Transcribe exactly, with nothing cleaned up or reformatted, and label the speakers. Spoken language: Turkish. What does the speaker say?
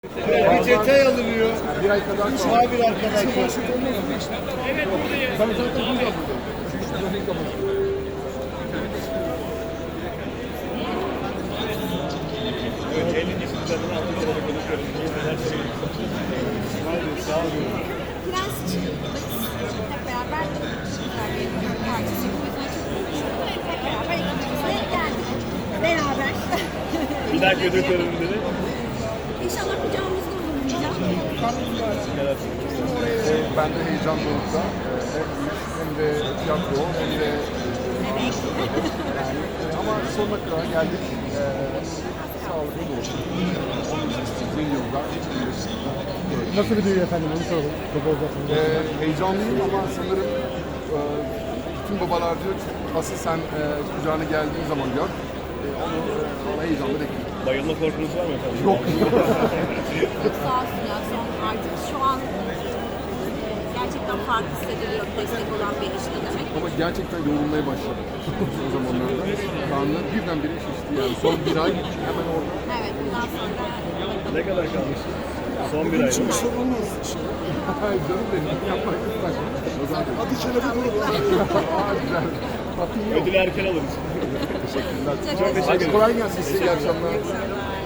Speaker 1: Bir detay alınıyor.
Speaker 2: Bir ay kadar
Speaker 1: Muhabir arkadaşlar.
Speaker 3: Evet buradayız.
Speaker 2: Tabii zaten burada buradayım. Şu üç trafiği kapatıyorum.
Speaker 1: Evet, ellinci sınıflarını aldık. Konuşuyoruz. Neler söylüyorsunuz? Haydi, sağ olun.
Speaker 4: Prens için hep beraber güzel bir partisi. Hep beraber ekibimizle geldik. Beraber.
Speaker 1: Bir dahaki ödül töreninde de
Speaker 4: İnşallah kucağımızda bulunacağım.
Speaker 2: Ee, ben de heyecanlı olacağım. Ee, hem müzik hem de tiyatro hem de
Speaker 4: Evet.
Speaker 2: yani e, ama sonuna kadar geldik. Ee, sağlıklı da olsun. Uzun yıllar.
Speaker 5: Nasıl bir düğün efendim onu soralım. Çok olacak.
Speaker 2: Ee, heyecanlıyım ama sanırım e, bütün babalar diyor ki asıl sen e, kucağına geldiğin zaman gör. E, onu e, heyecanla bekliyorum.
Speaker 1: bayılma korkunuz var mı efendim?
Speaker 2: Yok.
Speaker 4: Çok sağ olsun ya son artık şu an e, gerçekten farklı hissediliyor destek olan bir ilişki demek.
Speaker 2: Ama gerçekten yorulmaya başladım o zamanlarda. Karnı birdenbire şişti yani. Son bir ay hemen orada.
Speaker 4: Evet bundan sonra
Speaker 1: Ne kadar kalmış? Son bir ay.
Speaker 2: Hiçbir sorun olmaz. Hayır canım benim. Yapma lütfen. O zaman hadi çelebi kurun. Aa güzel. Tatlı yok.
Speaker 1: Ödülü erken alırız.
Speaker 2: Teşekkürler.
Speaker 4: Çok
Speaker 2: Hadi kolay gelsin size. İyi akşamlar.